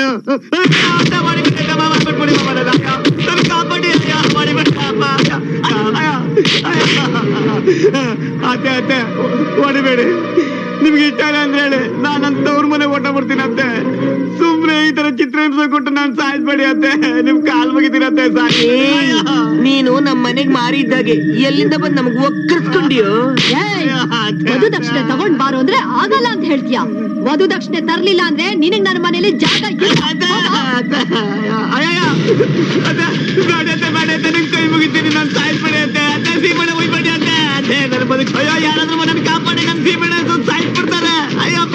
S7: ಅತ್ತೆ ಅತ್ತೆ ಹೊಡಿಬೇಡಿ, ನಿಮ್ಗೆ ಇಷ್ಟ ಇಲ್ಲ ಅಂದ್ರೆ ಹೇಳಿ, ನಾನಂತ ಅವ್ರ ಮನೆ ಓಟ ಬರ್ತೀನಿ ಅತ್ತೆ. ಸುಮ್ನೆ ಈ ತರ ಚಿತ್ರ ಹಿಂಸೆ ಕೊಟ್ಟು ನಾನ್ ಸಾಯಿಸ್ಬೇಡಿ ಅತ್ತೆ, ನಿಮ್ ಕಾಲ್ ಮುಗಿತೀನತ್ತೆ. ಸಾಕಿ,
S4: ನೀನು ನಮ್ ಮನೆಗ್ ಮಾರಿದ್ದಾಗೆ ಎಲ್ಲಿಂದ ಬಂದ್ ನಮಗ್ ಒಕ್ಕರ್ಸ್ಕೊಂಡಿಯೋ?
S3: ವಧು ದಕ್ಷಿಣೆ ತಗೊಂಡ್ ಬಾರೋ ಅಂದ್ರೆ ಆಗಲ್ಲ ಅಂತ ಹೇಳ್ತೀಯ. ವಧು ದಕ್ಷಿಣೆ ತರ್ಲಿಲ್ಲ ಅಂದ್ರೆ ನಿನಗ್ ನನ್ನ ಮನೇಲಿ ಜಾಗ
S7: ನಿಮ್ ಕೈ ಮುಗಿತೀನಿ, ನಾನ್ ಸಾಯಿಸ್ಬೇಡಿ ಅತ್ತೆ. ಅತ್ತೆ ಸೀಮಣೆ ಹೋಯ್ಬೇಡಿ ಅತ್ತೆ. ಅತ್ತೆ ನನ್ನ ಬದುಕು, ಅಯ್ಯೋ ಯಾರಾದ್ರೂ ನನ್ನ ಕಾಪಾಡಿ, ನನ್ ಸೀಮಣೆ ಸಾಯಿಸ್ಬಿಡ್ತಾರೆ. ಅಯ್ಯಪ್ಪ,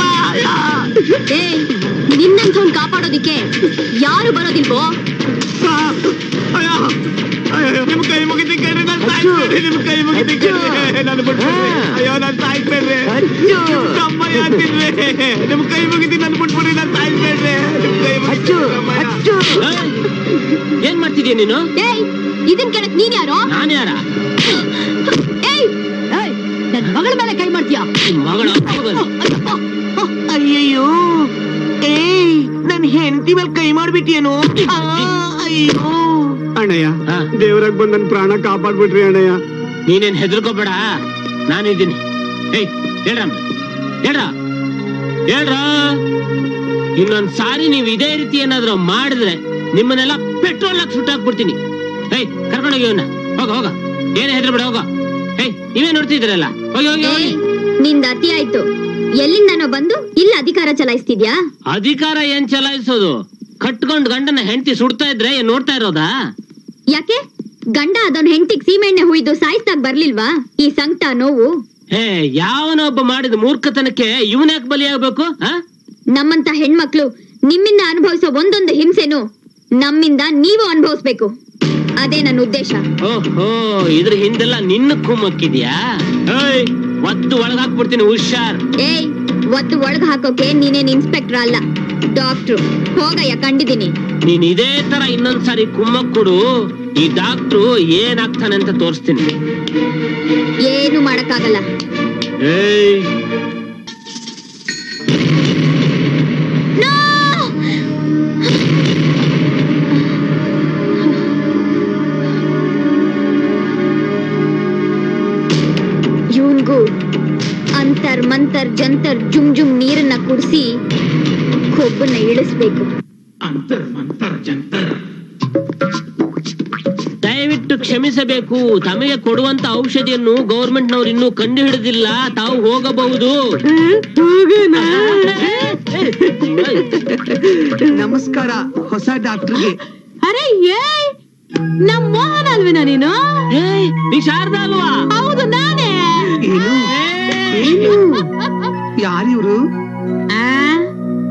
S5: ನಿನ್ನಂಥವ್ನ್ ಕಾಪಾಡೋದಿಕ್ಕೆ ಯಾರು ಬರೋದಿಲ್ವೋ?
S7: ಅಯ್ಯೋ ಅಯ್ಯೋ, ನಿಮ್ ಕೈ ಮುಗಿತೀನಿ ಕೇಳಿ, ನಾನ್ ಸಾಯಿಸ್ಬೇಡಿ. ನಿಮ್ ಕೈ ಮುಗಿತೀನಿ ಕೇಳಿ, ನಾನು ಬಿಟ್ಬಿಡ್ರಿ. ಅಯ್ಯೋ ನಾನ್ ಸಾಯಿಸ್ಬೇಡ್ರಿ, ತಮ್ಮಯ್ಯ ಅಂತಿನ್ರಿ. ನಿಮ್ ಕೈ ಮುಗಿತೀನಿ, ನನ್ ಬಿಟ್ಬಿಡ್ರಿ, ನಾನ್ ಸಾಯಿಸ್ಬೇಡ್ರಿ. ನಿಮ್ ಕೈ ಮುಗಿತೀನಿ.
S2: ಏನ್ ಮಾಡ್ತಿದ್ಯಾ ನೀನು?
S5: ಏಯ್, ಇದನ್ ಕೇಳಕ್ ನೀನ್ ಯಾರೋ?
S2: ನಾನು ಯಾರ?
S5: ಏಯ್,
S3: ನನ್ ಮಗಳ ಮೇಲೆ ಕೈ ಮಾಡ್ತೀಯ?
S2: ಮಗಳ
S4: ಅಯ್ಯಯ್ಯೋ, ಏಯ್ ನನ್ ಹೆಂಡತಿ ಮೇಲೆ ಕೈ ಮಾಡ್ಬಿಟ್ಟಿಯೇನೋ? ಅಯ್ಯೋ
S7: ಅಣ್ಣಯ್ಯ, ದೇವರಾಗ್ ಬಂದ್ ನನ್ ಪ್ರಾಣ ಕಾಪಾಡ್ಬಿಟ್ರಿ ಅಣ್ಣಯ್ಯ.
S2: ನೀನೇನ್ ಹೆದರ್ಕೋಬೇಡ, ನಾನಿದ್ದೀನಿ. ಏಯ್ ಹೇಳ್ರಮ್ಮ, ಹೇಳ್ರ ಹೇಳ್ರ ಇನ್ನೊಂದ್ ಸಾರಿ ನೀವ್ ಇದೇ ರೀತಿ ಏನಾದ್ರು ಮಾಡಿದ್ರೆ ನಿಮ್ಮನ್ನೆಲ್ಲ ಪೆಟ್ರೋಲ್ ಹಾಕಿ ಸುಟ್ಟಾಕ್ಬಿಡ್ತೀನಿ. ಏಯ್ ಕರ್ಕೊಂಡೋಗಿ ಅವನ್ನ, ಹೋಗ ಹೋಗ, ಏನೇ ಹೆದರ್ಬೇಡ, ಹೋಗ. ಏಯ್ ನೀವೇ ನೋಡ್ತಿದ್ರಲ್ಲ, ಹೋಗಿ ಹೋಗಿ ಹೋಗಿ.
S5: ನಿಂದ ಅತಿ ಆಯ್ತು. ಎಲ್ಲಿಂದನೋ ಬಂದು ಇಲ್ಲ ಅಧಿಕಾರ ಚಲಾಯಿಸ್ತಿದ್ಯಾ?
S2: ಅಧಿಕಾರ ಏನ್ ಚಲಾಯಿಸೋದು? ಕಟ್ಕೊಂಡ್ ಗಂಡನ ಹೆಂಡತಿ ಸುಡ್ತಾ ಇದ್ರೆ ಏನ್ ನೋಡ್ತಾ ಇರೋದಾ?
S5: ಯಾಕೆ ಗಂಡ ಅದನ್ ಹೆಂಡತಿಗ್ ಸೀಮೆಣ್ಣೆ ಹುಯ್ದು ಸಾಯಿಸ್ದಾಗ ಬರ್ಲಿಲ್ವಾ ಈ ಸಂಕಟ ನೋವು?
S2: ಹೇ, ಯಾವನೊಬ್ಬ ಮಾಡಿದ ಮೂರ್ಖತನಕ್ಕೆ ಇವನ್ಯಾಕ್ ಬಲಿಯಾಗಬೇಕು?
S5: ನಮ್ಮಂತ ಹೆಣ್ಮಕ್ಳು ನಿಮ್ಮಿಂದ ಅನುಭವಿಸೋ ಒಂದೊಂದು ಹಿಂಸೆನು ನಮ್ಮಿಂದ ನೀವು ಅನುಭವಿಸ್ಬೇಕು. ಅದೇ ನನ್ನ ಉದ್ದೇಶ.
S2: ಓಹೋ, ಇದ್ರ ಹಿಂದೆಲ್ಲ ನಿನ್ನ ಕುಮ್ಮಕ್ಕಿದ್ಯಾ? ಏಯ್, ಒತ್ತು ಒಳಗ್ ಹಾಕ್ಬಿಡ್ತೀನಿ, ಹುಷಾರ್.
S5: ಏಯ್, ಒತ್ತು ಒಳಗ್ ಹಾಕೋಕೆ ನೀನೇನ್ ಇನ್ಸ್ಪೆಕ್ಟರ್ ಅಲ್ಲ, ಡಾಕ್ಟ್ರು. ಹೋಗಯ್ಯ, ಕಂಡಿದ್ದೀನಿ.
S2: ನೀನ್ ಇದೇ ತರ ಇನ್ನೊಂದ್ಸಾರಿ ಕುಮ್ಮಕ್ ಕೊಡು, ಈ ಡಾಕ್ಟ್ರು ಏನಾಗ್ತಾನೆ ಅಂತ ತೋರಿಸ್ತೀನಿ.
S5: ಏನು ಮಾಡಕ್ಕಾಗಲ್ಲ.
S2: ಏಯ್,
S5: ಇವನ್ಗೂ ಅಂತರ್ ಮಂತರ್ ಜಂತರ್ ಜುಮ್ ಜುಮ್ ನೀರನ್ನ ಕುಡಿಸಿ ಕೊಬ್ಬನ್ನ ಇಳಿಸ್ಬೇಕು.
S2: ದಯವಿಟ್ಟು ಕ್ಷಮಿಸಬೇಕು, ತಮಗೆ ಕೊಡುವಂತ ಔಷಧಿಯನ್ನು ಗೌರ್ಮೆಂಟ್ ನವರು ಇನ್ನೂ ಕಂಡು ಹಿಡಿದಿಲ್ಲ, ತಾವು ಹೋಗಬಹುದು.
S4: ನಮಸ್ಕಾರ ಹೊಸ ಡಾಕ್ಟರ್ಗೆ.
S3: ಅರೆ ಏಯ್, ನಮ್ ಮೋಹನ್ ಅಲ್ವೇನಾ ನೀನು?
S2: ಏಯ್, ನೀ ಶಾರದಾ ಅಲ್ವಾ?
S3: ಹೌದು, ನಾನೇ.
S4: ಏನು ಏನು ಯಾರಿವ್ರು?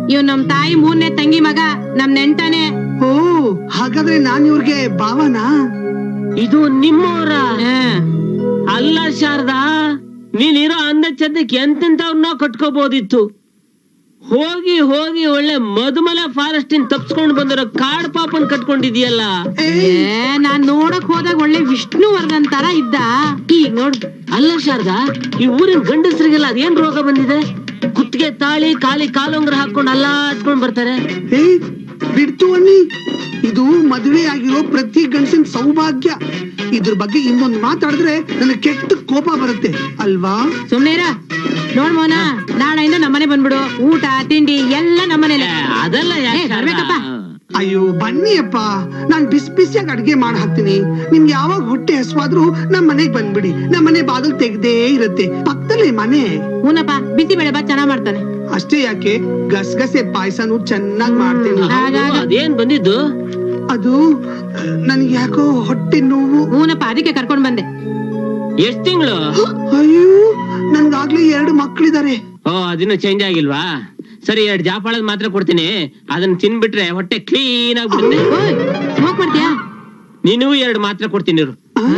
S3: ಇವ್ ನಮ್ ತಾಯಿ ಮೂರನೇ ತಂಗಿ ಮಗ ನಮ್ ನೆಂಟನೆ.
S4: ಓ ಹಾಗಾದ್ರೆ ನಾನ್ ಇವ್ರಿಗೆ ಭಾವನಾ?
S2: ಇದು ನಿಮ್ಮವರ ಅಲ್ಲ ಶಾರದಾ, ನೀನಿರೋ ಅಂದ ಚಂದಕ್ಕೆ ಎಂತೆಂತವ್ರನ್ನ ಕಟ್ಕೋಬಹುದಿತ್ತು. ಹೋಗಿ ಹೋಗಿ ಒಳ್ಳೆ ಮಧುಮಲ ಫಾರೆಸ್ಟ್ ಇನ್ ತಪ್ಸ್ಕೊಂಡ್ ಬಂದಿರೋ ಕಾಡ್ ಪಾಪನ್ ಕಟ್ಕೊಂಡಿದ್ಯಲ್ಲ.
S3: ನಾನ್ ನೋಡಕ್ ಹೋದಾಗ ಒಳ್ಳೆ ವಿಷ್ಣುವರ್ಧನ್ ತರ ಇದ್ದ. ಈಗ ನೋಡು.
S2: ಅಲ್ಲ ಶಾರದಾ, ಈ ಊರಿನ ಗಂಡಸರಿಗೆಲ್ಲ ಅದೇನ್ ರೋಗ ಬಂದಿದೆ? ಕುತ್ತಿಗೆ ತಾಳಿ ಕಾಲಿ ಕಾಲುಂಗ್ರ ಹಾಕೊಂಡ್ ಅಲ್ಲಾಡ್ಕೊಂಡ್ ಬರ್ತಾರೆ.
S4: ಏ ಬಿಡ್ತು ಅನ್ನಿ, ಇದು ಮದುವೆ ಆಗಿರೋ ಪ್ರತಿ ಗಂಡಸಿನ ಸೌಭಾಗ್ಯ. ಇದ್ರ ಬಗ್ಗೆ ಇನ್ನೊಂದು ಮಾತಾಡಿದ್ರೆ ನನಗೆ ಕೆಟ್ಟ ಕೋಪ ಬರುತ್ತೆ ಅಲ್ವಾ?
S3: ಸುಮ್ನೇರ ನೋಡ್ ಮೋನ, ನಾಳೆಯಿಂದ ನಮ್ಮನೆ ಬಂದ್ಬಿಡು. ಊಟ ತಿಂಡಿ ಎಲ್ಲ ನಮ್ಮನೇಲೆ.
S2: ಅದೆಲ್ಲ ಯಾಕೆ
S3: ಏ, ಬರ್ಬೇಕಪ್ಪ.
S4: ಅಯ್ಯೋ ಬನ್ನಿ ಅಪ್ಪ, ನಾನ್ ಬಿಸಿ ಬಿಸಿಯಾಗಿ ಅಡ್ಗೆ ಮಾಡಿ ಹಾಕ್ತೀನಿ. ನಿಮ್ಗೆ ಯಾವಾಗ ಹೊಟ್ಟೆ ಹಸ್ವಾದ್ರೂ ನಮ್ ಮನೆಗ್ ಬಂದ್ಬಿಡಿ. ನಮ್ ಮನೆ ಬಾಗಿಲು ತೆಗ್ದೇ ಇರತ್ತೆ, ಪಕ್ಕದಲ್ಲೇ ಮನೆ.
S3: ಹೂನಪ್ಪ, ಬಿಸಿ ಬೇಳೆ ಬಾ ಚೆನ್ನಾಗ್ ಮಾಡ್ತಾನೆ.
S4: ಅಷ್ಟೇ ಯಾಕೆ, ಗಸಗಸೆ ಪಾಯಸನೂ ಚೆನ್ನಾಗ್ ಮಾಡ್ತೀನಿ.
S2: ಅದೇನ್ ಬಂದಿದ್ದು?
S4: ಅದು ನನ್ಗೆ ಯಾಕೋ ಹೊಟ್ಟೆ ನೋವು.
S3: ಹೂನಪ್ಪ, ಅದಕ್ಕೆ ಕರ್ಕೊಂಡ್ ಬಂದೆ.
S2: ಎಷ್ಟ್ ತಿಂಗಳು?
S4: ಅಯ್ಯೋ ನನ್ಗಾಗ್ಲೇ ಎರಡು ಮಕ್ಳಿದಾರೆ.
S2: ಓ, ಅದಿನ್ನು ಚೇಂಜ್ ಆಗಿಲ್ವಾ? ಸರಿ, ಎರಡ್ ಜಾಪಾಳದ್ ಮಾತ್ರ ಕೊಡ್ತೀನಿ, ಅದನ್ನ ತಿನ್ಬಿಟ್ರೆ ಹೊಟ್ಟೆ ಕ್ಲೀನ್ ಆಗ್ಬಿಡುತ್ತೆ.
S3: ಸ್ಮೋಕ್ ಮಾಡ್ತೀಯಾ?
S2: ನೀನು ಎರಡು ಮಾತ್ರ ಕೊಡ್ತೀನಿ ಇರು.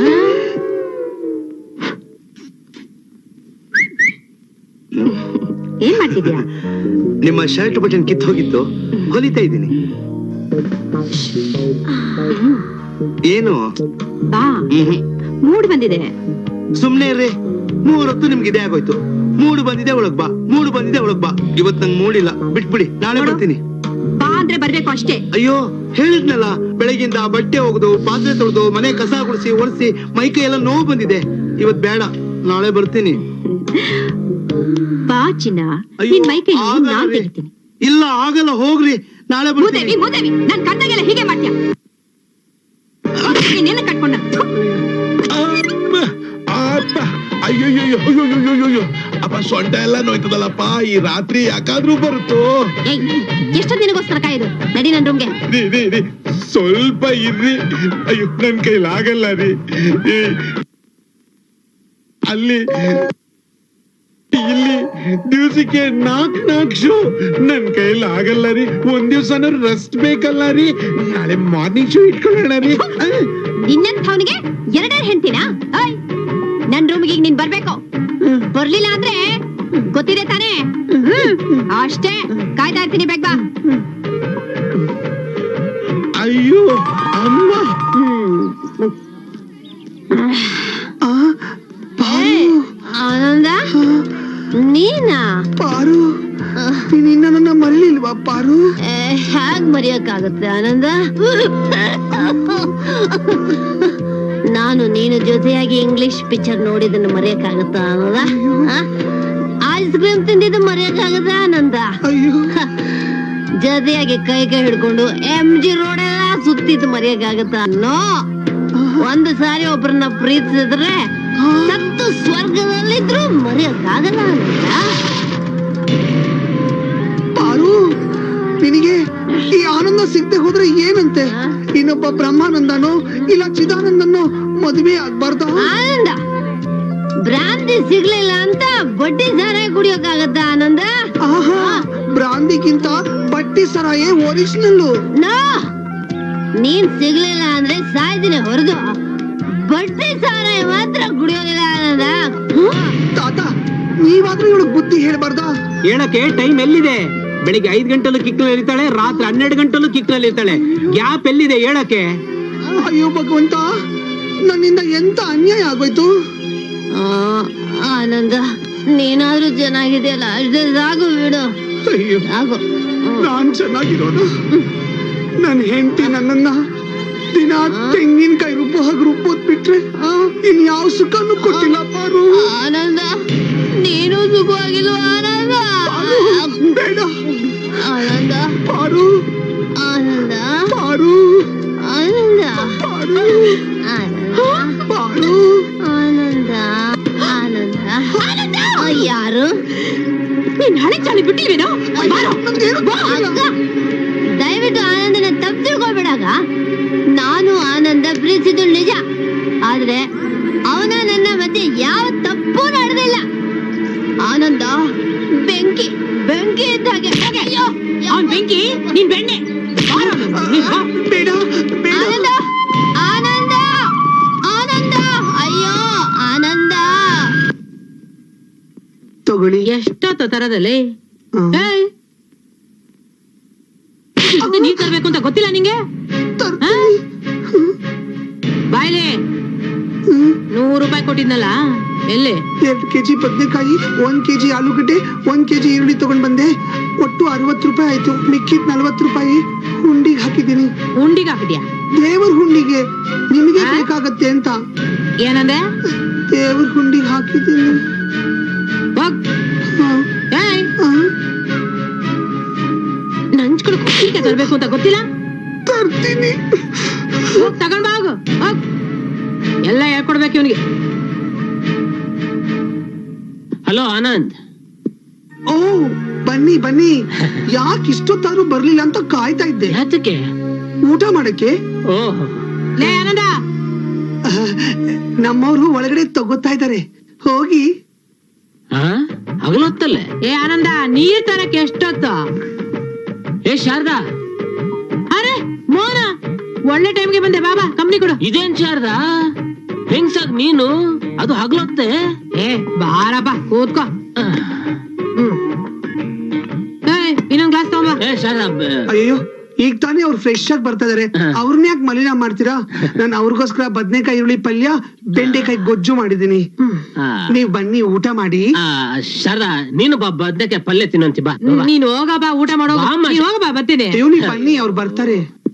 S3: ಏನ್ ಮಾಡ್ತಿದ್ಯಾ?
S1: ನಿಮ್ಮ ಶರ್ಟ್ ಬಟನ್ ಕಿತ್ತು ಹೋಗಿತ್ತು, ಹೊಲಿತಾ ಇದ್ದೀನಿ. ಏನು?
S3: ಬಾ,
S1: ಹ್ಮ್
S3: ಮೂಡ್ ಬಂದಿದೆ.
S1: ಸುಮ್ನೆ ಇರ್ರಿ, ಮೂರೊತ್ತು ನಿಮ್ಗೆ ಇದೇ ಆಗೋಯ್ತು. ಮೂಡು ಬಂದಿದೆ ಒಳಗ್ ಬಾ, ಮೂಡು ಬಂದಿದೆ ಒಳಗ್ ಬಾ. ಇವತ್ ನಂಗೆ ಮೂಡಿಲ್ಲ, ಬಿಟ್ಬಿಡಿ, ನಾಳೆ ಬರ್ತೀನಿ.
S3: ಬಾ ಅಂದ್ರೆ ಬರ್ಬೇಕು ಅಷ್ಟೇ.
S1: ಅಯ್ಯೋ ಹೇಳಿದ್ನಲ್ಲ, ಬೆಳಗಿಂದ ಬಟ್ಟೆ ಒಗೆದು ಪಾತ್ರೆ ತೊಳೆದು ಮನೆ ಕಸ ಗುಡಿಸಿ ಒರೆಸಿ ಮೈಕೈ ಎಲ್ಲ ನೋವು ಬಂದಿದೆ. ಇವತ್ ಬೇಡ, ನಾಳೆ ಬರ್ತೀನಿ.
S3: ಬಾ ಚಿನ್ನ,
S1: ಅಯ್ಯೋ,
S3: ನಿನ್ ಮೈ ಕೈ
S1: ಆಗಲ್ಲ
S3: ನಾನ್
S1: ರೀ.
S3: ತೆಗಿತೀನಿ.
S1: ಇಲ್ಲ ಆಗಲ್ಲ, ಹೋಗ್ರಿ, ನಾಳೆ ಬರ್ತೀನಿ.
S3: ಮೂದೇವಿ ಮೂದೇವಿ, ನನ್ ಕಣ್ಣಾಗೆಲ್ಲ ಹೀಗೆ ಮಾಡ್ತೀಯ? ನೀನೆಲ್ಲ ಕಟ್ಕೊಂಡ.
S8: ಅಪ್ಪ ಅಯ್ಯೋಯ್ಯೋಯ್ಯೋಯ್ಯೋಯ್ಯೋಯ್ಯೋ ಅಪ್ಪ, ಸೊಂಟ ಎಲ್ಲ ನೋಯ್ತದಲ್ಲಪ್ಪ. ಈ ರಾತ್ರಿ ಯಾಕಾದ್ರೂ ಬರುತ್ತೋ?
S3: ಎಷ್ಟು ದಿನಗೋಸ್ಕರ ಕಾಯ್ದು? ನಡಿ ನನ್ ರೂಮ್ಗೆ.
S8: ರೀ ರೀ ರೀ ಸ್ವಲ್ಪ ಇರ್ರಿ. ಅಯ್ಯೋ ನನ್ ಕೈಲಾಗಲ್ಲ ರೀ. ಈ ಅಲ್ಲಿ ಇಲ್ಲಿ ದಿವ್ಸಕ್ಕೆ ನಾಕ್ ನಾಕ್ ಶೋ, ನನ್ ಕೈಲಿ ಆಗಲ್ಲ ರೀ. ಒಂದ್ ದಿವ್ಸನ ರೆಸ್ಟ್ ಬೇಕಲ್ಲ ರೀ. ನಾಳೆ ಮಾರ್ನಿಂಗ್ ಶೋ ಇಟ್ಕೊಳ್ಳೋಣ ರೀ.
S3: ನಿನ್ನಂಥವನಿಗೆ ಎರಡೇ ಹೆಂಡ್ತಿನ? ನನ್ ರೂಮ್ಗೆ ಈಗ ನೀನ್ ಬರ್ಬೇಕು. ಬರ್ಲಿಲ್ಲ ಅಂದ್ರೆ ಗೊತ್ತಿದೆ ತಾನೇ? ಅಷ್ಟೇ, ಕಾಯ್ತಾ ಇರ್ತೀನಿ, ಬೇಗ ಬಾ.
S8: ಅಯ್ಯೋ ಅಮ್ಮ.
S3: ಆನಂದ, ನೀನಾ?
S4: ಪಾರು, ನೀನಿನ್ನ ನನ್ನ ಮರಳಿಲ್ವಾ ಪಾರು?
S3: ಹ್ಯಾಗ್ ಮರೆಯಕ್ಕಾಗುತ್ತೆ ಆನಂದ? ನಾನು ನೀನು ಜೊತೆಯಾಗಿ ಇಂಗ್ಲಿಷ್ ಪಿಕ್ಚರ್ ನೋಡಿದನ್ನು ಮರೆಯಕ್ಕಾಗತ್ತ ಆನಂದ? ಐಸ್ ಕ್ರೀಮ್ ತಿಂದಿದ್ದು ಮರೆಯಕ್ಕಾಗತ್ತ ಆನಂದ?
S4: ಅಯ್ಯೋ
S3: ಜೊತೆಯಾಗಿ ಕೈ ಕೈ ಹಿಡ್ಕೊಂಡು ಎಂ ಜಿ ರೋಡ್ ಎಲ್ಲ ಸುತ್ತಿದ್ದು ಮರೆಯಕ್ಕಾಗತ್ತ? ನೋ. ಒಂದು ಸಾರಿ ಒಬ್ಬರನ್ನ ಪ್ರೀತಿಸಿದ್ರೆ ಸತ್ತು ಸ್ವರ್ಗದಲ್ಲಿದ್ರು ಮರೆಯಕ್ಕಾಗಲ್ಲ ಆನಂದ.
S4: ಪಾರು, ನಿನಗೆ ಈ ಆನಂದ ಸಿಗದೆ ಹೋದ್ರೆ ಏನಂತೆ? ಇನ್ನೊಬ್ಬ ಬ್ರಹ್ಮಾನಂದನೋ ಇಲ್ಲ ಚಿದಾನಂದನೋ ಮದುವೆ ಆಗ್ಬಾರ್ದ?
S3: ಆನಂದ, ಭ್ರಾಂತಿ ಸಿಗ್ಲಿಲ್ಲ ಅಂತ ಬಡ್ಡಿ ಸಾರಾಯಿ ಕುಡಿಯೋಕಾಗತ್ತ ಆನಂದ?
S4: ಆಹಾ, ಬ್ರಾಂದಿಗಿಂತ ಬಟ್ಟಿ ಸರಾಯೇ ಒರಿಜಿನಲ್ಲು.
S3: ನೋ, ನೀನ್ ಸಿಗ್ಲಿಲ್ಲ ಅಂದ್ರೆ ಸಾಯ್ದಿನ ಹೊರದು ಬಡ್ಡಿ ಸಾರಾಯಿ ಮಾತ್ರ ಕುಡಿಯೋದಿಲ್ಲ ಆನಂದ.
S4: ತಾತ, ನೀವಾದ್ರೂ ಇವಳು ಬುದ್ಧಿ ಹೇಳ್ಬಾರ್ದ?
S6: ಹೇಳಕ್ಕೆ ಟೈಮ್ ಎಲ್ಲಿದೆ? ಬೆಳಿಗ್ಗೆ ಐದ್ ಗಂಟೆಲ್ಲೂ ಕಿಕ್ನಲ್ಲಿ ಇರ್ತಾಳೆ, ರಾತ್ರಿ ಹನ್ನೆರಡು ಗಂಟೆಲ್ಲೂ ಕಿಕ್ನಲ್ಲಿ ಇರ್ತಾಳೆ. ಗ್ಯಾಪ್ ಎಲ್ಲಿದೆ ಹೇಳಕ್ಕೆ?
S4: ಅಯ್ಯೋ ಭಗವಂತ, ನನ್ನಿಂದ ಎಂತ ಅನ್ಯಾಯ ಆಗೋಯ್ತು.
S3: ಆನಂದ, ನೀನಾದ್ರೂ ಚೆನ್ನಾಗಿದೆಯಲ್ಲ, ಅಷ್ಟೇ ಸಾಕು ಬಿಡು.
S4: ಅಯ್ಯೋ,
S3: ಸಾಕು.
S4: ನಾನ್ ಚೆನ್ನಾಗಿರೋದು, ನನ್ ಹೆಂಡತಿ ನನ್ನನ್ನ ದಿನ ತೆಂಗಿನಕಾಯಿ ರುಬ್ಬೋ ಹಾಗೆ ರುಬ್ಬೋದ್ ಬಿಟ್ರೆ ಇನ್ ಯಾವ ಸುಖನೂ ಕೊಟ್ಟಿಲ್ಲ ಪಾರು.
S3: ಆನಂದ, ನೀನು ಸುಖವಾಗಿಲ್ವ ಆನಂದ?
S4: ಬೇಡ
S3: ಆನಂದ,
S4: ಪಾರು,
S3: ಆನಂದ,
S4: ಪಾರು,
S3: ಆನಂದ,
S4: ಪಾರು, ಪಾರು,
S3: ಆನಂದ, ಆನಂದ, ಆನಂದ. ಯಾರು? ನೀನ್ ಹಳೆ ಚಾಳಿ ಬಿಟ್ಟಿಲ್ವೇನೋ? ದಯವಿಟ್ಟು ಆನಂದನ ತಪ್ಪು ತಿಳ್ಕೊಬೇಡಾಗ. ನಾನು ಆನಂದ ಪ್ರೀತಿಸಿದ್ದು ನಿಜ, ಆದ್ರೆ ಅವನ ನನ್ನ ಮಧ್ಯೆ ಯಾವ ತಪ್ಪು ನಡೆದಿಲ್ಲ. ಆನಂದ ಬೆಂಕಿ ಬೆಂಕಿ ಇದ್ದ ಹಾಗೆ. ಅಯ್ಯೋ,
S4: ಬೆಂಕಿ ನೀನ್ ಬೆಣ್ಣೆ ಬಾರೋ, ನೀನ್ ಬಾ.
S1: ಬೇಡ ಬೇಡ
S3: ಆನಂದ ಆನಂದ ಆನಂದ ಅಯ್ಯೋ ಆನಂದ
S1: ತಗೊಳ್ಳಿ.
S4: ಎಷ್ಟೊತ್ತ ತರದಲ್ಲಿ
S1: ಹ್ಮ್.
S4: ನೀರ್ ತರ್ಬೇಕು ಅಂತ ಗೊತ್ತಿಲ್ಲ ನಿಂಗೆ?
S1: ತರ್ತೀನಿ.
S4: ಬಾಯ್ಲೆ
S1: ಹ್ಮ್.
S4: ನೂರು ರೂಪಾಯಿ ಕೊಟ್ಟಿದ್ನಲ್ಲ ಎಲ್ಲಿ?
S1: ಎರಡ್ ಕೆಜಿ ಬದನೆಕಾಯಿ, ಒಂದ್ ಕೆಜಿ ಆಲೂಗಡ್ಡೆ, ಒಂದ್ ಕೆಜಿ ಈರುಳ್ಳಿ ತಗೊಂಡ್ ಬಂದೆ. ಒಟ್ಟು ಅರವತ್ತು ರೂಪಾಯಿ ಆಯ್ತು. ಮಿಕ್ಕಿದ್ ನಲ್ವತ್ತು ರೂಪಾಯಿ ಹುಂಡಿಗೆ ಹಾಕಿದ್ದೀನಿ.
S4: ಉಂಡಿಗೆ ಹಾಕಿದ್ಯಾ?
S1: ದೇವ್ರ ಹುಂಡಿಗೆ, ನಿಮಗೆ
S4: ಆ?
S1: ಬೇಕಾಗತ್ತೆ ಅಂತ
S4: ಏನಂದೆ?
S1: ದೇವ್ರ ಹುಂಡಿಗೆ ಹಾಕಿದ್ದೀನಿ.
S4: ಹೋಗ್.
S1: ಹಾ,
S4: ಏಯ್,
S1: ಹಾ.
S4: ನಂಚ್ಕೊಳಕ್ ಉಪ್ಪಿನಕಾಯಿ ತರ್ಬೇಕು ಅಂತ ಗೊತ್ತಿಲ್ಲ?
S1: ತರ್ತೀನಿ.
S4: ಹೋಗ್ ತಗೊಂಡ್ ಬಾ ಹೋಗು. ಹೋಗ್. ಎಲ್ಲ ಹೇಳ್ಕೊಡ್ಬೇಕು ಇವನಿಗೆ.
S2: ಹಲೋ ಆನಂದ್.
S1: ಓ ಬನ್ನಿ ಬನ್ನಿ. ಯಾಕೆ ಇಷ್ಟೊತ್ತಾದ್ರೂ ಬರ್ಲಿಲ್ಲ ಅಂತ ಕಾಯ್ತಾ ಇದ್ದೆ.
S2: ಯಾತಕ್ಕೆ?
S1: ಊಟ ಮಾಡಕ್ಕೆ.
S2: ಓಹ್,
S4: ಲೇ ಆನಂದ,
S1: ನಮ್ಮವ್ರು ಒಳಗಡೆ ತಗೋತಾ ಇದ್ದಾರೆ, ಹೋಗಿ.
S2: ಹಾ ಹಗಲೊತ್ತಲ್ಲೇ?
S4: ಏ ಆನಂದ, ನೀರ್ ತರಕ್ ಎಷ್ಟೊತ್ತು?
S2: ಏ ಶಾರದಾ,
S4: ಅರೆ ಮೋನ, ಒಳ್ಳೆ ಟೈಮ್ಗೆ ಬಂದೆ. ಬಾಬಾ ಕಂಪ್ನಿ ಕೊಡು.
S2: ಇದೇನ್ ಶಾರದಾ ಹೆಂಗ್ಸಾಗ್ ನೀನು, ಅದು ಹಗಲೊತ್ತೆ?
S4: ಏ ಬಾರಪ್ಪ ಕೂತ್ಕೋ. ಹ್ಮ್. ಏಯ್, ಇನ್ನೊಂದ್ ಗ್ಲಾಸ್ ತಗೊಂಬ.
S2: ಏ ಶಾರದಾ, ಬ-
S1: ಅಯ್ಯೋ, ಈಗ ತಾನೇ ಅವ್ರು ಫ್ರೆಶ್ ಆಗಿ ಬರ್ತಾ ಇದಾರೆ, ಅವ್ರನ್ನ ಯಾಕೆ ಮಲಿನ ಮಾಡ್ತೀರಾ? ನಾನು ಅವ್ರಿಗೋಸ್ಕರ ಬದನೆಕಾಯಿ ಈರುಳ್ಳಿ ಪಲ್ಯ, ಬೆಂಡೆಕಾಯಿ ಗೊಜ್ಜು ಮಾಡಿದೀನಿ.
S2: ಆ,
S1: ನೀವ್ ಬನ್ನಿ ಊಟ ಮಾಡಿ.
S2: ಆ, ಶಾರದಾ ನೀನು ಬಾ, ಬದ್ನೆಕಾಯಿ ಪಲ್ಯ ತಿನ್ನಂತಿ ಬಾ. ಬಾ, ಬಾ.
S4: ನೀನ್ ಹೋಗ ಬಾ, ಊಟ ಮಾಡೋ.
S2: ಬಾ, ಅಮ್ಮ.
S4: ನೀನ್ ಹೋಗ ಬಾ, ಬರ್ತೀನಿ.
S1: ಅಯ್ಯೋ ನೀವ್ ಬನ್ನಿ, ಅವ್ರು ಬರ್ತಾರೆ.